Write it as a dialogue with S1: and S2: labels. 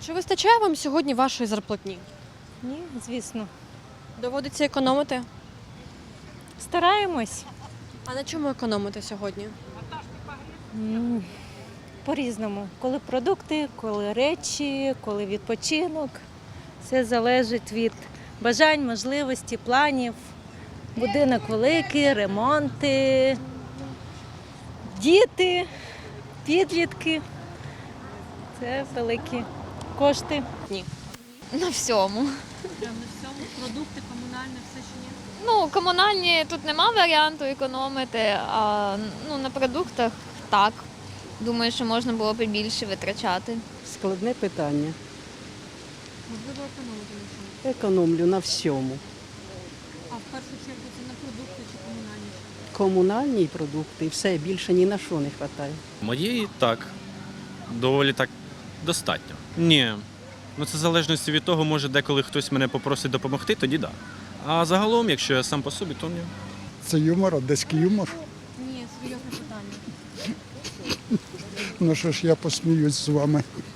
S1: Чи вистачає вам сьогодні вашої зарплатні?
S2: Ні, звісно.
S1: Доводиться економити?
S2: Стараємось.
S1: А на чому економити сьогодні?
S2: По-різному. Коли продукти, коли речі, коли відпочинок. Все залежить від бажань, можливості, планів. Будинок великий, ремонти, діти, підлітки. Це великі кошти.
S3: На всьому.
S1: Прямо на всьому? Продукти, комунальне, все чи ні?
S3: Ну, комунальні тут нема варіанту економити, а на продуктах так. Думаю, що можна було б і більше витрачати.
S4: Складне питання.
S1: Можливо, економити на чому?
S4: Економлю на всьому.
S1: А в першу чергу це на продукти чи комунальні?
S4: Комунальні продукти, все більше ні на що не вистачає.
S5: Моєї так, доволі так достатньо. Ні. Ну це в залежності від того, може деколи хтось мене попросить допомогти, тоді так. Да. А загалом, якщо я сам по собі, то ні.
S6: Це юмор, одеський юмор.
S1: Ні, серйозне питання.
S6: Ну що ж, я посміюсь з вами.